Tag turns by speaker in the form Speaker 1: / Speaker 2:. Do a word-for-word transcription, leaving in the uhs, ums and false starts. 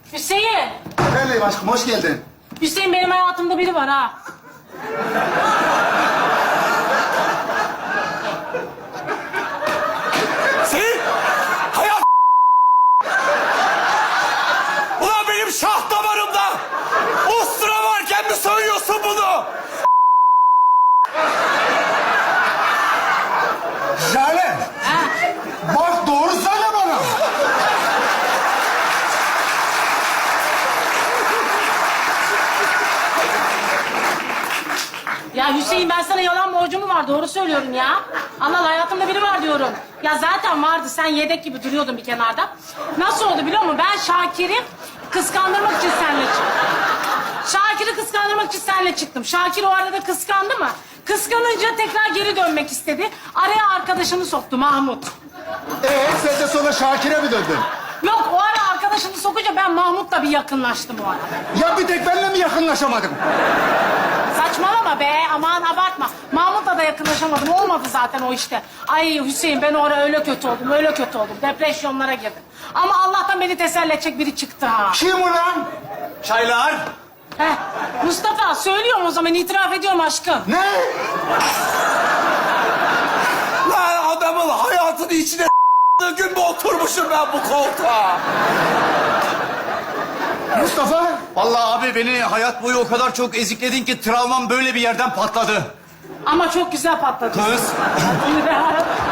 Speaker 1: Hüseyin.
Speaker 2: Efendim aşkım, hoş geldin.
Speaker 1: Hüseyin benim hayatımda biri var ha.
Speaker 3: Senin hayat... Ulan benim şah damarımda ustura varken mi söylüyorsun bunu?
Speaker 2: Jale,
Speaker 1: Ha.
Speaker 2: bak doğru söyle bana.
Speaker 1: Ya Hüseyin ben sana yalan borcum mu var? Doğru söylüyorum ya. Allah Allah hayatımda biri var diyorum. Ya zaten vardı. Sen yedek gibi duruyordun bir kenarda. Nasıl oldu biliyor musun? Ben Şakir'i kıskandırmak için seninle çıktım. Şakir'i kıskandırmak için seninle çıktım. Şakir o arada kıskandı mı? Kıskanınca tekrar geri dönmek istedi. Araya arkadaşını soktu Mahmut.
Speaker 2: Ee, sen de sonra Şakir'e mi döndün?
Speaker 1: Yok o ara arkadaşını sokunca ben Mahmut'la bir yakınlaştım o ara.
Speaker 2: Ya bir tek benimle mi yakınlaşamadın?
Speaker 1: Saçmalama be, aman abartma. Mahmut'la da yakınlaşamadım, olmadı zaten o işte. Ay Hüseyin, ben orada öyle kötü oldum, öyle kötü oldum. Depresyonlara girdim. Ama Allah'tan beni teselli edecek biri çıktı ha.
Speaker 2: Kim ulan?
Speaker 3: Çaylar.
Speaker 1: Heh, Mustafa, söylüyorum o zaman, itiraf ediyorum aşkım.
Speaker 2: Ne?
Speaker 3: Lan adamın hayatının içine gün mü oturmuşum ben bu koltuğa?
Speaker 2: Mustafa?
Speaker 4: Vallahi abi beni hayat boyu o kadar çok ezikledin ki travmam böyle bir yerden patladı.
Speaker 1: Ama çok güzel patladı.
Speaker 4: Kız.